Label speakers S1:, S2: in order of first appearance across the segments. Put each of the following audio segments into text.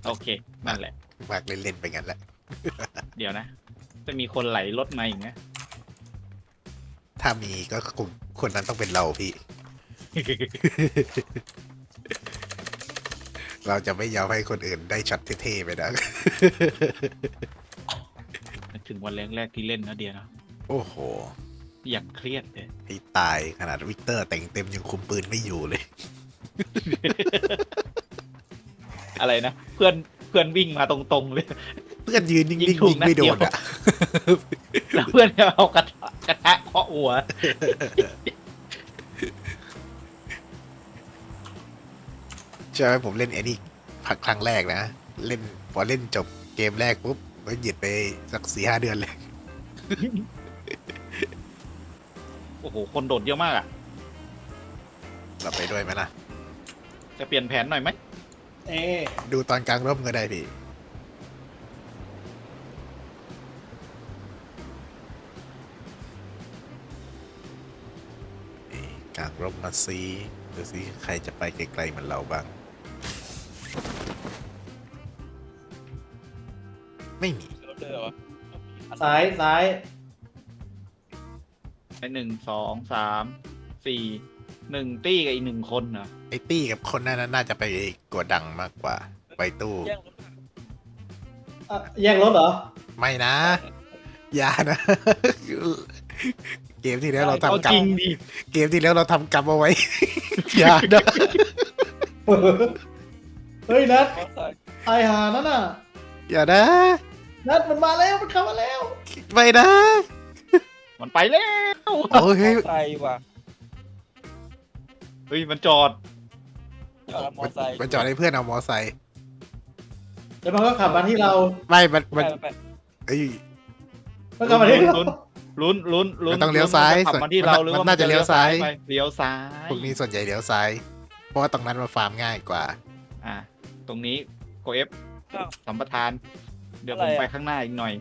S1: โอเคนั่นแหละ
S2: มากเล่นๆไปงั้นแหละ
S1: เดี๋ยวนะ จะมีคนไหลรถมาอีกนะ
S2: ถ้ามีก็คงคนนั้นต้องเป็นเราพี่ เราจะไม่ยอมให้คนอื่นได้ช็อตเท่ๆไปนะ
S1: ถึงวันแรกๆที่เล่นนะเดียวนะ
S2: โอ้โห
S1: อย่างเครียดเลย
S2: ให้ตายขนาดวิกเตอร์แต่งเต็มยังคุมปืนไม่อยู่เลย
S1: อะไรนะเพื่อนวิ่งมาตรงๆเลย
S2: เพื่อนยืนนิ่ง
S1: ยิง
S2: ๆ
S1: ถูก
S2: ยิงไม่โด
S1: นัดเดียว
S2: นอ่ะ
S1: แล้วเพื่อนก็เอากระทะเคาะหัว
S2: ใช่ไหมผมเล่นไอ้นี่พักครั้งแรกนะเล่นพอเล่นจบเกมแรกปุ๊บก็หยุดไปสัก4-5 เดือนเลย
S1: โอ้โหคนโดดเยอะมากอ่ะ
S2: เราไปด้วยไหมล่ะ
S1: จะเปลี่ยนแผนหน่อยไหม
S2: ดูตอนกลางร่มก็ได้พี่กลางร่มมาซีดูสิใครจะไปไกลๆเหมือนเราบ้าง ไม่มี
S3: ซ้ายซ้าย
S1: ไอ้1 2 3 4 1ตี้กับอีก1 คนเหรอ
S2: ไอ้ตี้กับคนนั้นน่าจะไปกดดังมากกว่า ไปตู้
S3: แย่งรถเหรอ
S2: ไม่นะ อย่านะ เกมที่แล้วเรา
S1: เอา
S2: ทำกร
S1: จ
S2: ร
S1: ริ
S2: ม
S1: งดิ
S2: เกมที่แล้วเราทำกรรมเอาไว้ อย่านะ
S3: เฮ้ยนัดตายหานั่นน่ะ
S2: อย่านะ
S3: นัดมันมาแล้วมันเข้ามาแล้ว
S2: ไม่นะ
S1: มันไปแล้ว
S2: โอ้ย
S4: ไซค์ว่ะ
S1: เฮ้ยมันจอด
S4: จอดมอไซค์
S2: มันจอดให้เพื่อนเอามอไซค์
S3: แล้วมันก็ขับมาที่เรา
S2: ไม่มัน
S4: ไปไป
S2: เอ้ย
S3: มันขับมาที่เรา
S1: ลุ้น
S2: มันต้องเลี้ยวซ้าย
S1: ขับมาที่เราหรือว่า
S2: มันน่าจะเลี้ยวซ้าย
S1: ไปเลี้ยวซ้าย
S2: พวกนี้ส่วนใหญ่เลี้ยวซ้าย เพราะว่าตรงนั้นมันฟาร์มง่ายกว่า
S1: อ่ะตรงนี้โกเอฟสัมปทาน เดี๋ยวผมไปข้างหน้าอีกหน่อย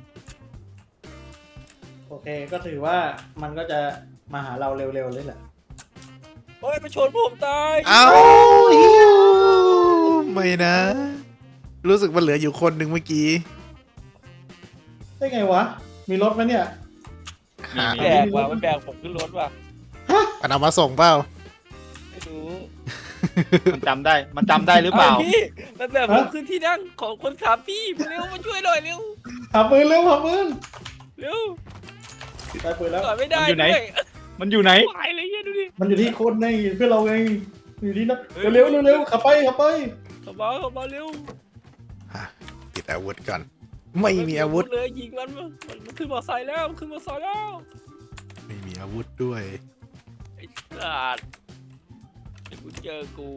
S3: โอเคก็ถือว่ามันก็จะมาหาเราเร็วๆเลยแหละ
S4: โอ้ยมาชนผมตาย
S2: เอ้าอิ๊วไม่นะ รู้สึกมันเหลืออยู่คนหนึ่งเมื่อกี้
S3: ได้ไงวะ มีรถไหมเนี่ย
S1: มี
S2: หา
S1: มี
S4: แบกว่ะมันแบกผมขึ้นรถว่ะ
S2: มันเอามาส่งเปล่า
S4: ไม่รู้
S1: มันจำได้หรือเปล่า
S4: พี่มันแบกผมขึ้นที่นั่งของคนขับพี่เร็วมาช่วยหน่อยเร็ว
S3: ขับปืนเร็วขับปืน
S4: เร็ว
S3: ได้ปืนแล้ว
S4: จอดไม่ได้
S1: มันอยู่ไหน
S4: ด้วย
S1: มันอยู่ไหน
S4: หายเลยเฮียดูดิ
S3: มันอยู่ที่คนไงเพื่อนเราไงอยู่ที่นัดเร็วเร็วขับไปขับไป
S4: ขับมาเร็ว
S2: ติดอาวุธก่อน ไม่มีอาวุธ
S4: เลยยิงมันขึ้นมอไซค์แล้วมันขึ้นมอไซค์แล้ว
S2: ไม่มีอาวุธด้วย
S4: ไอ้สัตว์เดี๋ยวกูเจอกู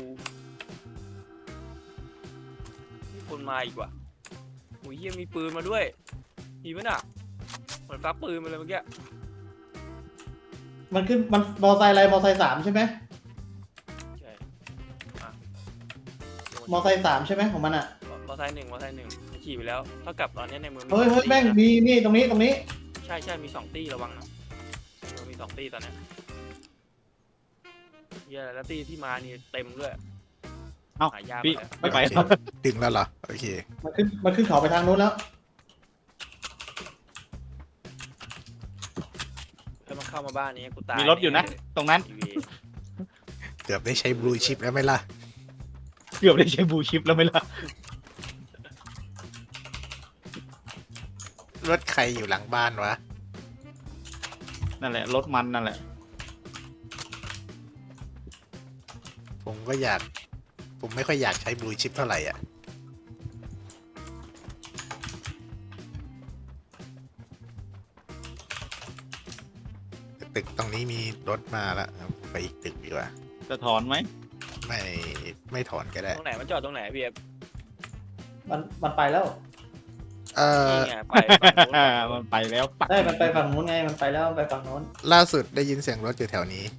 S4: มีคนมาอีกว่ะโอ้ยเฮียมีปืนมาด้วยมีมั้ยน่ะเหมือนฟักปืนมาเลยเมื่อกี้
S3: มันขึ้นมันมอไซค์อะไรมอไซค์3ใช่ไหม
S4: ใช่อ่ะ
S3: มอไซค์3ใช่ไหมของมันอ่ะ
S4: มอไซค์หนึ่งขี่ไปแล้วเท่ากับตอนนี้ในมือมี
S3: เฮ้ย
S4: ส
S3: เฮ้ย
S4: ตี้
S3: แม่ง
S4: นะ
S3: มีนี่ตรงนี้ตรงนี้
S4: ใช่มี2 ตี้ระวังนะในมือมี2 ตี้ตอนเนี้ยเฮียแล้วตี้ที่มานี่เต็มด้วย
S1: เอ้า
S4: หายาก
S1: พี่
S4: เลย
S1: ไม่ไป
S2: โอเคดึงแล้วเหรอ โอเค
S3: มันขึ้นเขาไปทางนู้นแล้ว
S4: ถ้ามันเข้ามาบ้านนี้กูตาย
S1: มีรถอยู่นะ ตรงนั้น
S4: ทีวี
S2: เกือบได้ใช้บลูชิปแล้วไหมล่ะ
S1: เกือบได้ใช้บูชิปแล้วไหมล่ะ
S2: รถใครอยู่หลังบ้านวะ
S1: นั่นแหละรถมันนั่นแหละ
S2: ผมก็อยาก ผมไม่ค่อยอยากใช้บลูชิปเท่าไหร่อ่ะ ตึกตรงนี้มีรถมาแล้วไปอีกตึกดีกว่า
S1: จะถอนไหม
S2: ไม่ถอนก็ได้
S4: ตรงไหนมันจอดตรงไหนพี่เอฟ
S3: มันไปแล้ว
S4: นี่ไงไปฝั่งนู้น
S1: มันไปแล้วปัก
S3: ได้มันไปฝั่งนู้นไงมันไปแล้วมันไปฝั่งนู้น
S2: ล่าสุดได้ยินเสียงรถอยู่แถวนี้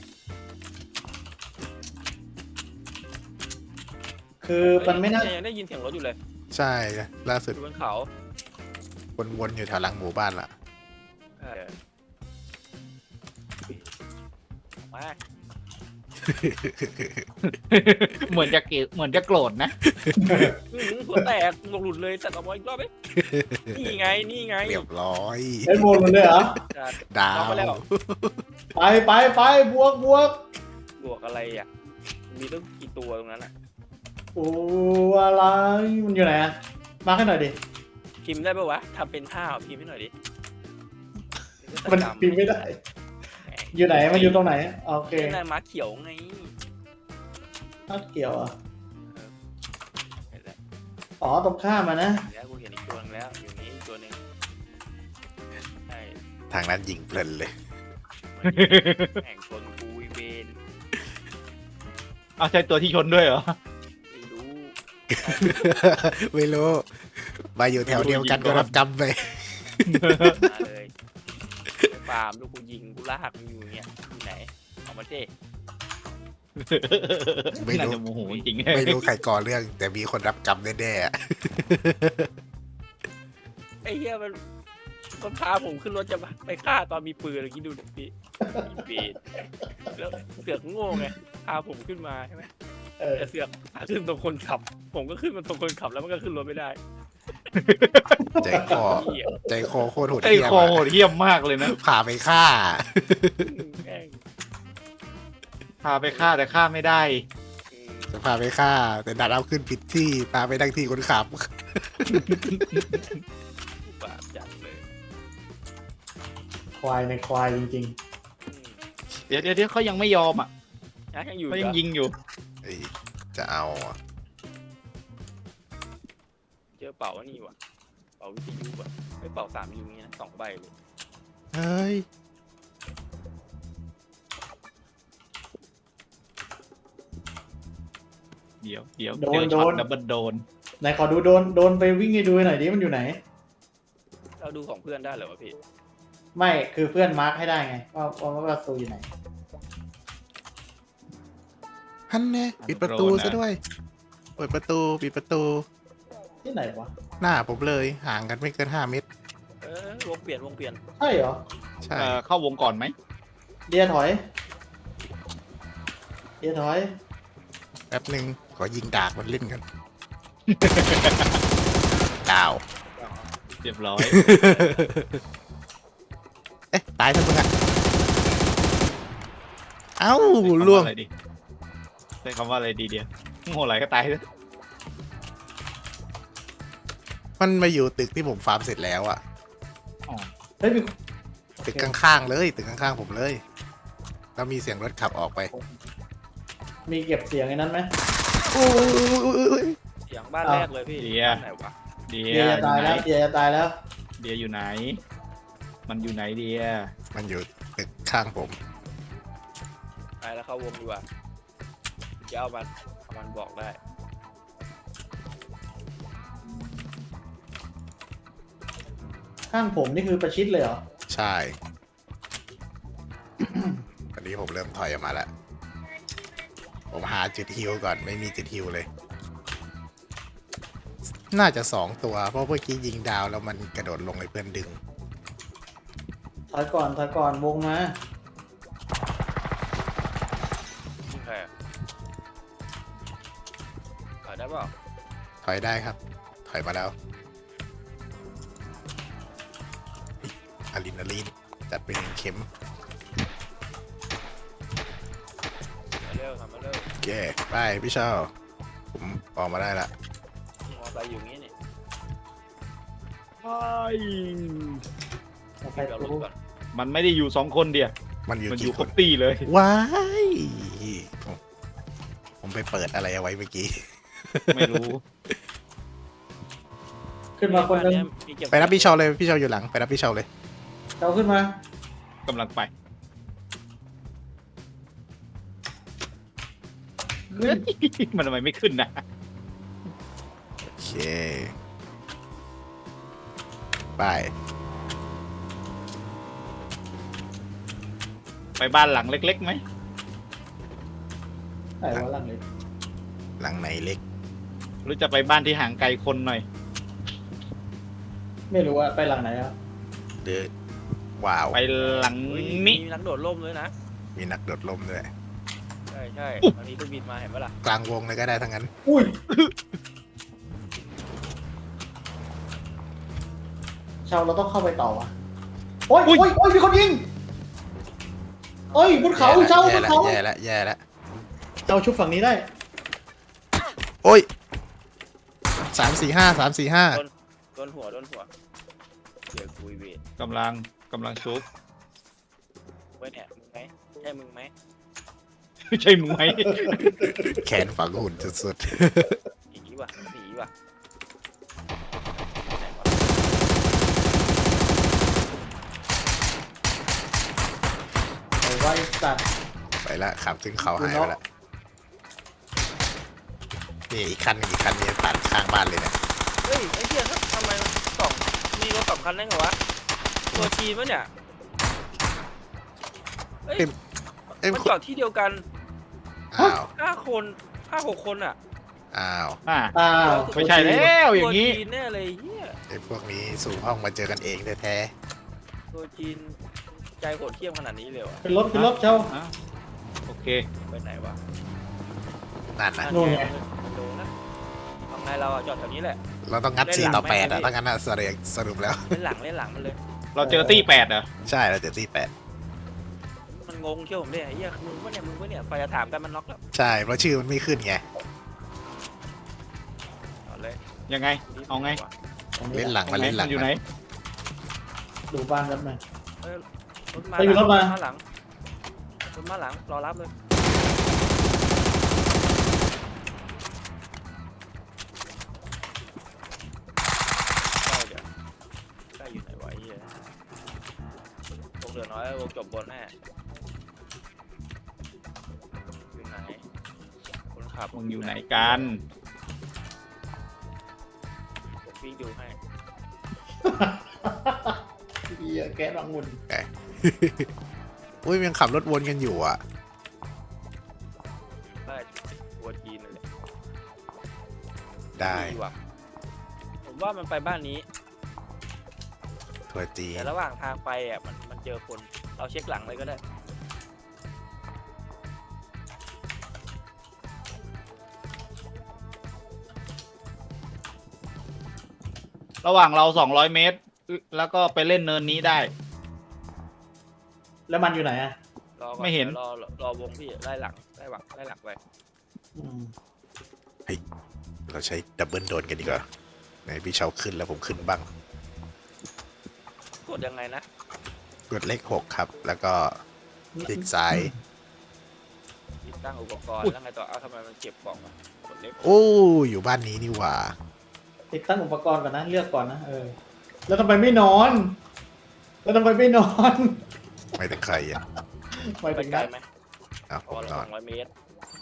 S3: คือมันไม่น่า
S4: ยังได้ยินเสียงรถอยู่เลย
S2: ใช่ ล่าสุด
S4: อยู่บนเขา
S2: วนๆอยู่แถวหลังหมู่บ้านล่ะ
S4: เออมา
S1: เหมือนจะเกลียดเหมือนจะโกรธนะ
S4: หัวแตกหมวกหลุดเลยสัตว์เอาไว้อีกรอบไหมนี่ไงนี่ไง
S2: เรียบร้อย
S3: ไอ้โมนเลยเหรอ
S4: จัด
S2: ดาว
S4: ไปแล้ว
S3: ไปบวก
S4: บวกอะไรอ่ะมีตั้งกี่ตัวตรงนั้นอ่ะ
S3: โอ้อะไรมันอยู่ไหนอะมาให้หน่อยดิ
S4: พิมพ์ได้ปะวะทำเป็นท่าพิมพ์ให้หน่อยดิ
S3: มันพิมพ์ไม่ได้ อยู่ไหนมันอยู่ตรงไหนโอเค
S4: เป็นอะไรม้าเขียวไง
S3: นัดเกี่ยวอ่ะ
S4: เห็นแล้ว
S3: อ๋อตรงข้ามมานะ
S4: แล้วกูเห็นอีกตัวนึงแล้วอยู่นี้อีกตัวหนึ่งใช่
S2: ทางนั้นยิงเพลินเลย
S4: แข่งชนกูวิเวน
S1: เอาใช่ตัวที่ชนด้วยเหรอ
S4: ไม่รู้
S2: ไม่รู้ มาอยู่แถวเดียวกันก็รับกรรมไป
S4: มาเลยไปฟาร์มลูกกูยิงกูลากมึงอยู่เนี่ยอยู่ไหนออกมาเท่
S2: ไม่
S1: น่า
S2: รู้
S1: จะโมโหจริง
S2: ไม่รู้ใครก่อเรื่อง แต่มีคนรับกรรมแน่ๆอะ
S4: ไอ้เหี้ยมันพาผมขึ้นรถจะไปฆ่าตอนมีปืนอะไรกี้ดูหน่อยพี่มีปืนแล้วเสือกโง่ไงพาผมขึ้นมาใช่ไหม
S3: เออ
S4: แต่เสือกขึ้นตรงคนขับ ผมก็ขึ้นมาตรงคนขับแล้วมันก็ขึ้นรถไม่ได้
S2: ใจคอ
S4: เหี้ย
S2: ใจคอโคตรโหด
S1: ไอ้
S2: เหี้ยม
S1: คอโห
S2: อะ
S1: ดเหี้ยมมากเลยนะ
S2: พาไปฆ่า
S4: แม่ง
S1: พาไปฆ่าแต่ฆ่าไม่ได้
S2: จะพาไปฆ่า แต่ดันเอาขึ้นผิดที่พาไปนั่งที่คนขับ
S4: บาปจัดเลย
S3: ควายในควายจริง
S1: เดี๋ยวเขายังไม่ยอมอ่ะ
S4: ยังอยู่
S1: เขา
S4: เหร
S1: ยัง
S4: อ
S1: ยิงอยู่
S2: เอ้ยจะเอาอะ
S4: เจอเป่าอันนี่ว่ะเป่าวิทยุว่ะไม่เป่า3 ยูงี้นะ2 ใบเลย
S2: เฮ้ย
S1: เดี๋ยวเจ
S3: โด
S1: อน ช็อตดับเบิลโดน
S3: ๆไหนขอดูโดนไปวิ่งให้ดูหน่อยดิมันอยู่ไหน
S4: เราดูของเพื่อนได้เหรอวะพี่
S3: ไม่คือเพื่อนมาร์คให้ได้ไงว่าประตูอยู่ไหน
S2: ฮันแน่ปิดประตูซะด้วย เปิดประตูปิดประตู
S3: ที่ไหนวะ
S2: หน้าผมเลยห่างกันไม่เกิน5 เมตร
S4: วงเปลี่ยน
S3: ใช่เหรอ
S2: ใช่
S1: เข้าวงก่อนไหม
S3: เดียถอย
S2: แป๊บหนึ่งขอยิงดากมันเล่นกัน ดาว
S1: เรียบร้อย
S2: เอ๊ะ ตายทั้งมึงอะเอ้าล่วง
S1: ใช้คำว่าอะไรดีเดียวโง่ไหลก็ตายเลย
S2: มันมาอยู่ตึกที่ผมฟาร์มเสร็จแล้วอะ
S3: เฮ้ยมี
S2: ตึกข้างๆเลยตึกข้างๆผมเลย แล้วมีเสียงรถขับออกไป
S3: มีเก็บเสียงไอ้นั้นไหม
S2: โอ้ย
S4: เสียงบ้านแรกเลยพี่บ้านไหนวะ
S1: เดี
S3: เดีย
S1: ย
S3: จะตายแล้วเดียจะตายแล้ว
S1: เดียอยู่ไหน มันอยู่ไหนเดีย
S2: มันอยู่ตึกข้างผม
S4: ไปแล้วเข้าวงดีกว่าเดี๋ยวเอามันบอกได้
S3: ข้างผมนี่คือประชิดเลยเหรอ
S2: ใช่ วันนี้ผมเริ่มถอยออกมาแล้ว ผมหาจุดฮิวก่อนไม่มีจุดฮิวเลย น่าจะ2 ตัว เพราะเมื่อกี้ยิงดาวแล้วมันกระโดดลงให้เพื่อนดึง
S3: ถอยก่อนวงมา
S4: ใครอะขายได้เปล่า
S2: ถอยได้ครับ ถอยมาแล้วอะดรีนาลีนจัดไป1 เข็ม
S4: มาเร็วทำมาเร็ว
S2: โอเคไปพี่เชาผมออกมาได้ละ
S4: มอไซค์อยู่งี้นี่
S3: เอาไป
S4: เดี๋ยวรถ
S3: กู
S4: ก่อน
S1: มันไม่ได้อยู่2 คนเดียว
S2: มันอยู่
S1: มันอยู่
S2: กี่
S1: ค
S2: ค
S1: ร
S2: น
S1: บตีเลย
S2: ว้ายผมไปเปิดอะไรเอาไว้เมื่อกี้
S1: ไม่รู้
S3: ขึ้นมาคนหนึง
S4: มีเก็
S2: ไปรับพี่เชาเลยพี่เชาอยู่หลังไปรับพี่เชาเลย
S3: เอาขึ้นมาก
S1: ำลังไป
S3: ขึ้น
S1: มันทำไมไม่ขึ้นนะ
S2: โอเคไป
S1: ไปบ้านหลังเล็กๆไหม
S3: ไหนวะหลังเลย
S2: หลังไหนเล็ก
S1: หรือจะไปบ้านที่ห่างไกลคนหน่อย
S3: ไม่รู้ว่าไปหลังไหนอ่ะ
S2: หรือว้าว
S1: ไปหลัง
S4: เฮ้ย
S1: นี้
S4: มีนักโดดร่มด้วยนะ
S2: มีนักโดดร่มด้วย
S4: ใช่ใช่ตอนนี้เครื่องบินมาเห็นปะล่ะ
S2: กลางวงเลยก็ได้ทั้งนั้น
S3: อุ้ยชาวเราต้องเข้าไปต่อวะโอ้ยโอ้ยโอ้ยมีคนยิงโอ้ยบนเขาเจ้าบ
S2: แย่
S3: น
S2: ละ
S3: เขา
S2: แย่ละแย่ละ
S3: เจ้าชุบฝั่งนี้ได้
S2: โอ้ย345
S4: โดนหัวเดี๋ยวคุยเวท
S1: กำลังชุบ
S4: ไว้เนี่ยมึงไหมใช่มึงไหม
S1: ใช่มึงไหม
S2: แขนฝังหุ่นสุด
S4: หนีว่ะไหนวะ
S3: ไอ้ไว้สัตว์
S2: ๆไปละขับขึ้นเขาหายไปละนี่อีกคันนี้ตัดข้างบ้านเลยเนี่ย
S4: เฮ้ยไอ้เหี้ยทำไมสองมีรถสองคันได้ไงวะตัวจีนปะเนี่ยเฮ้ย
S2: เอ้ย
S4: มันจอดที่เดียวกัน
S2: อ้าว
S4: 5-6 คนอ่ะ
S2: อ้าว
S1: อ่า
S3: อ้าว
S1: ไม่ใช่แล้วอย่างนี้
S4: ตัวจีนแน่เลยเฮีย
S2: ไอ้พวกนี้สู่ห้องมาเจอกันเองแท้
S4: ตัวจีนใจโหดเที่ยมขนาดนี้เลยเหรอ
S3: เป็นรถเจ้า
S1: อ่ะโอเค
S4: ไปไหนวะ
S2: ๆนั่นนะ
S3: นู่นไง
S4: มันโดนนะทำไงเราอะจอดแถวนี้แหละ
S2: เราต้องงัด
S4: เล่นหลัง
S2: 4 ต่อ 8
S4: ไหม
S2: อ่ะ
S4: พี่
S2: ถ้างั้นน่ะสรุปแล้ว
S4: เล่นหลังมันเลย
S1: เราเจอตี้8เหรอ
S2: ใช่เราเจอที่
S4: มันงงเที่ยวผมเนี่ยไอ้เหี้ยมึงวะเนี่ยไฟจะถามกันมันน็อกแล้ว
S2: 8ใช่เพราะชื่อมันไม่ขึ้นไง
S4: เอาเลย
S1: ยังไง เอาไง
S2: เล่นหลังมาเล่นหลัง
S1: อยู่ไหน
S3: ดูบ้านแป๊บนึง
S4: เอ้ยรถมา
S3: ไปอยู่รถมา
S4: หลังรถมาหลังรอรับเลยใกล้อยู่ไหนวะไอ้เหี้ยวงเหลือน้อยวงจบบนแน่อยู่ไหนคนขับ
S1: มึงอยู่ไหนกัน
S4: ผมวิ่งดูให้
S3: เหี้ยแก๊สรังมุน
S2: อุ้ยยังขับรถวนกันอยู่อ่ะ
S4: ได้ตัวจีนนั่นแหละ
S2: ได้
S4: ว่ะผมว่ามันไปบ้านนี้
S2: ทัวร์จีน
S4: แต่ระหว่างทางไปอ่ะมันเจอคนเราเช็คหลังเลยก็ได้
S1: ระหว่างเรา200 เมตร แล้วก็ไปเล่นเนินนี้ได้
S3: แล้วมันอยู่ไหนอ่ะ
S4: รอก่อน
S1: ไม่เห็น
S4: ดี๋ยวรอวงพี่ไล่หลังไป
S3: อืม
S2: เราใช้ดับเบิลโดนกันดีกว่าไหนพี่เชาขึ้นแล้วผมขึ้นบ้าง
S4: กดยังไงนะ
S2: กดเลข 6 ครับ แล้วก็คลิกซ้าย
S4: ติดตั้งอุปกรณ์แล้วไงต่อเอาทำไมมันเก็บกล่องอะกดเล็ก
S2: โอ้อยู่บ้านนี้นี่หว่า
S3: ติดตั้งอุปกรณ์ก่อนนะเลือกก่อนนะแล้วทำไมไม่นอน แล้วทำไมไม่นอน
S2: ไม่ถึงใครอ่ะ
S3: หมาย
S4: ไป
S3: ถึง
S4: ไกล
S3: นั้น
S4: ไหม
S2: อ้าว
S4: พ
S2: ผ
S4: อ
S2: ม
S4: ละ
S2: นอน
S4: 200 เมตร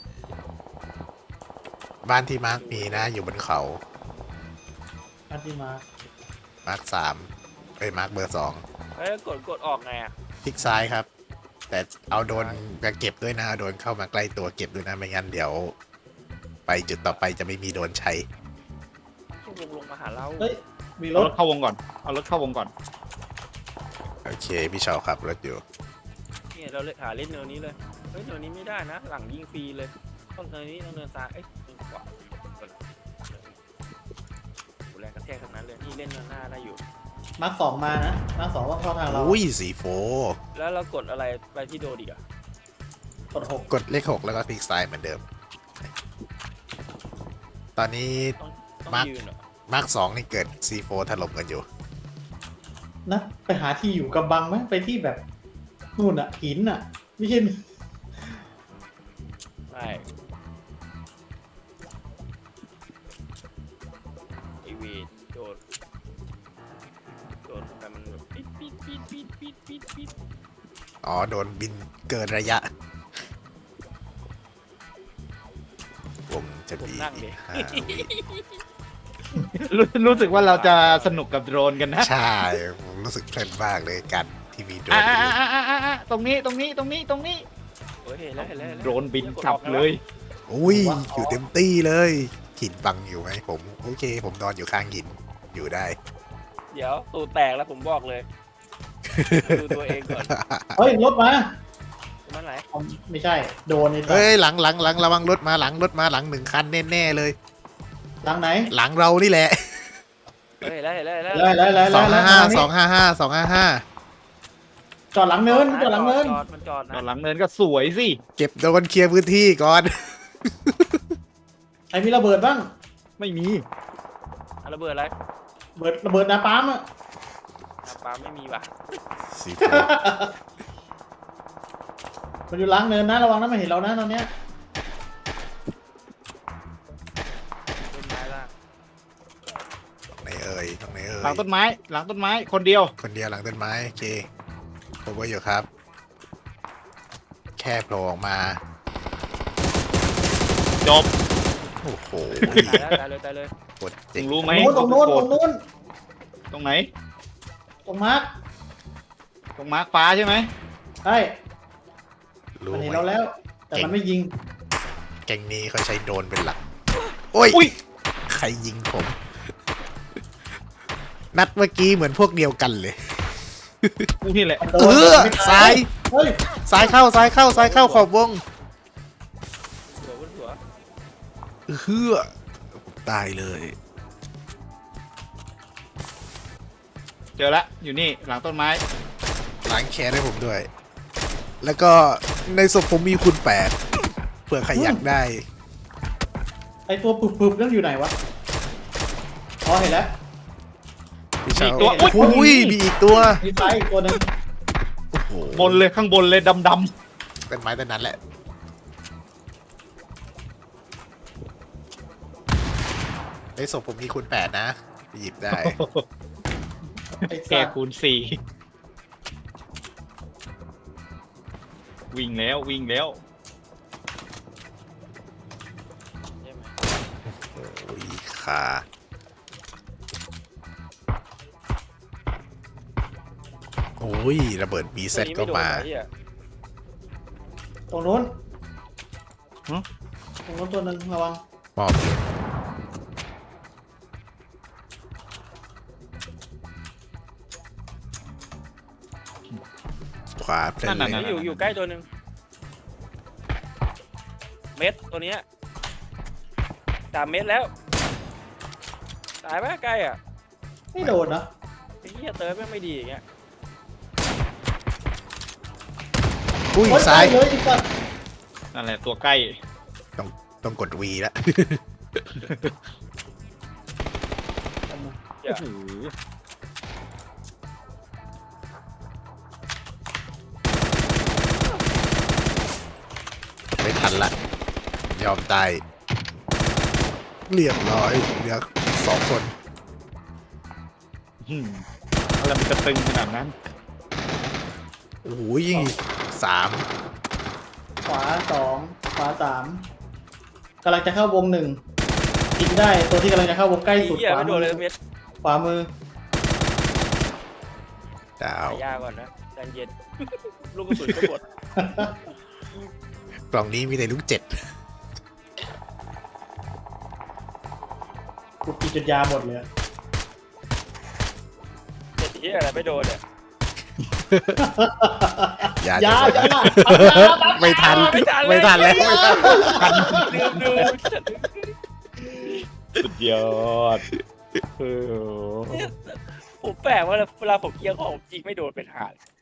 S2: บ้านที่มาร์กมีนะอยู่บนเขา
S3: อันที่มา
S2: มาร์ก3มาร์กเบอร์ 2
S4: เฮ้ยกดออกไงอ่ะ
S2: คลิกซ้ายครับ แต่เอาโดนมาเก็บด้วยนะเอาโดนเข้ามาใกล้ตัวเก็บด้วยนะไม่งั้นเดี๋ยว ไปจุดต่อไปจะไม่มีโดนใช้
S4: ช่วงลงมาหาเรา
S3: เฮ้ยมีร
S1: เอา
S3: ถ
S1: รถเข้าวงก่อน เอารถเข้าวงก่อน
S2: โอเคพี่เชาครับรถอยู่
S4: เนี่ยเราเลยหาเล่นเนินนี้เลยเฮ้ยเนินนี้ไม่ได้นะหลังยิงฟรีเลยต้องเนินนี้ต้องเนินซ้ายเอ้ยเนินขวาแรงกระแทกทั้งนั้นเลยนี่เล่นเนินหน้าได้อยู่
S3: มาร์คสองมานะมาร์คสองว่าเข้าทางเรา
S2: อุ้ยสีโฟ
S4: แล้วเรากดอะไรไปที่โดดีกอะ
S3: กด 6
S2: กดเลข 6 แล้วก็คลิกซ้ายเหมือนเดิม ตอนนี้
S4: ต้อง
S2: มาร์ค
S4: ยืนเหรอ
S2: มาร์ก2นี่เกิด C4 ถล่มกันอยู่
S3: นะไปหาที่อยู่กำบังไหมไปที่แบบนู่นอ่ะหินอ่ะ ไม่ใช่
S4: ไม่ไอเวีโดนแต่มันแบบปิด
S2: อ๋อ โดนบินเกินระยะ ผมจะ
S4: ผม
S2: มี
S4: นั่งดิ
S2: 5 วิ
S1: รู้สึกว่าเราจะสนุกกับโดรนกันนะ
S2: ใช่ ผมรู้สึกเพลินมากเลยกันที่มีโดรน
S1: ตรงนี้
S4: เฮ้ยเห็นแล้ว
S1: โดรนบินขับเลย
S2: อุ้ย อยู่เต็มตี้เลยหินบังอยู่ไหมผม โอเค ผมนอนอยู่ข้างหินอยู่ได้
S4: เดี๋ยวตูแตกแล้วผมบอกเลยดูตัวเองก่อน
S3: เฮ้ยรถมา
S4: มันไหน
S3: เอาไม่ใช่โดนนี่
S2: เฮ้ยหลังระวังรถมาหลังหนึ่งคันแน่ๆเลย
S3: หลังไหน
S2: หลังเรานี่แหละ
S4: เฮ้ยแล้ว
S3: ไล่
S2: 255
S3: จอดหลังเนินจอดหลังเนิน
S4: มันจอด
S1: ต
S4: นะ
S1: อนหลังเนินก็สวยสิ
S2: เก็บโดนเคลียร์พื้นที่ก่อน
S3: ใครมีระเบิดบ้าง
S1: ไม่มี
S4: ระเบิดอะไร
S3: ระเบิดนาปั๊มอะ
S4: ปลาไม่มีว่ะ
S2: สีโฟ
S3: มันอยู่หลังเนินนะระวังนะมันเห็นเรานะตอนเนี้ย
S4: ต้นไม้ล่าง
S2: ตรงไหนเอ่ย
S1: หลังต้นไม้ หลังต้นไม้คนเดียว
S2: คนเดียวหลังต้นไม้โอเคผมว่าอยู่ครับ แค่โผล่ออกมา
S1: จบ
S2: โอ้โห
S4: ตายเลย
S2: กด
S1: มึ
S2: เจ๋ง
S1: งรู้ไหม
S3: ตรงนู้น
S1: ตรงไหน
S3: ตรงมาร์ค
S1: ตรงมาร์คฟ้าใช่ไหม
S3: ใช่
S2: รู้
S3: มัน
S2: ไห
S3: เห็น
S2: ม
S3: เราแล้ว แต่มันไม่ยิง
S2: แกงนี้เขาใช้โดรนเป็นหลัก โอ้ย
S1: อุ้ย
S2: ใครยิงผม นัดเมื่อกี้เหมือนพวกเดียวกันเลย
S1: กูนี่แหละ
S3: มันโด
S2: เอน อ
S3: ไม่ต
S2: ซ้าย
S3: เฮ้ย
S2: ซ้ายเข้าขอบวง
S4: หัว
S2: เฮือตายเลย
S1: เจอละ อยู่นี่ หลังต้นไม้
S2: ล้างแค้นให้ผมด้วย แล้วก็ในศพผมมีคุณ8เผื่อใครอยากได้
S3: ไอตัวปึบๆนั่นอยู่ไหนวะ อ๋อเห็นแล้ว
S2: พี่เชา
S1: มีอีกตัว
S2: โอ้ยมีอีกตัว
S3: มีซ้ายอีกตัวหนึง
S2: โอ้โห
S1: บนเลยข้างบนเลยดำ
S2: เป็นไม้ต้นนั้นแหละ ในศพผมมีคุณ8นะไปหยิบได้
S3: ไอ้
S1: ๆแก
S3: สัตว์
S1: คูณ4วิ่งแล้ว
S4: ใช่ไหม
S2: โอ้ยขา โอ้ย ระเบิดบีเซ็ตก็มา
S3: ตรงนู้นตรงนู้นตัวหนึงระวัง
S2: มอบอยู่ขวาเพลิน
S1: นั่น
S2: เล
S1: น่ะ
S2: ย
S4: อยู่ใกล้ตัวหนึ่งเม็ดตัวเนี้ย3 เม็ดแล้ว ตายไหมใกล้อ่ะ
S3: ไม่โดนนะ
S4: ไอ้เหี้ยเติร์ดไม่ดีอย่างเงี้ย
S2: อุ้ย
S3: โอ๊
S2: ซ้าย
S3: เลยไอ้สัตว์
S1: นั่นแหละตัวใกล้
S2: ต้องกด V แล้ว
S1: โอ้โห
S2: ไม่ทันละ ยอมตาย เรียบร้อยเหลือ2 คน
S1: อะไรมันจะตึงขนาดนั้น
S2: โอ้โหยิง3
S3: ขวา2ขวา3กำลังจะเข้าวง1ยิงได้ตัวที่กำลังจะเข้าวงใกล้
S4: ไอ้
S3: สุด
S4: เหี้ย
S3: ขวา
S4: ไม่โด
S3: มื
S4: นเลย
S3: อ
S4: เม็ด
S3: ขวามือ
S2: ดาว
S4: หายาก่อนนะใจเย็น ลูกกระสุนก็หมด
S2: กล่องนี้มีแต่ลูก7
S3: กูกินจนยาหมดเลยอะ
S4: ไอ้เหี้ยอะไรไม่โดนเนี่ย
S2: อย่า
S3: ยา
S2: จะ
S3: ยา
S2: ไม่ทัน
S4: ไม่ทันเลย
S2: ไม่ทันแล้ว
S4: ลืมดู
S1: สุดยอดเออ
S4: ผมแปลกว่าเวลาผมเกียร์ของจริงไม่โดนเป็นหาเลย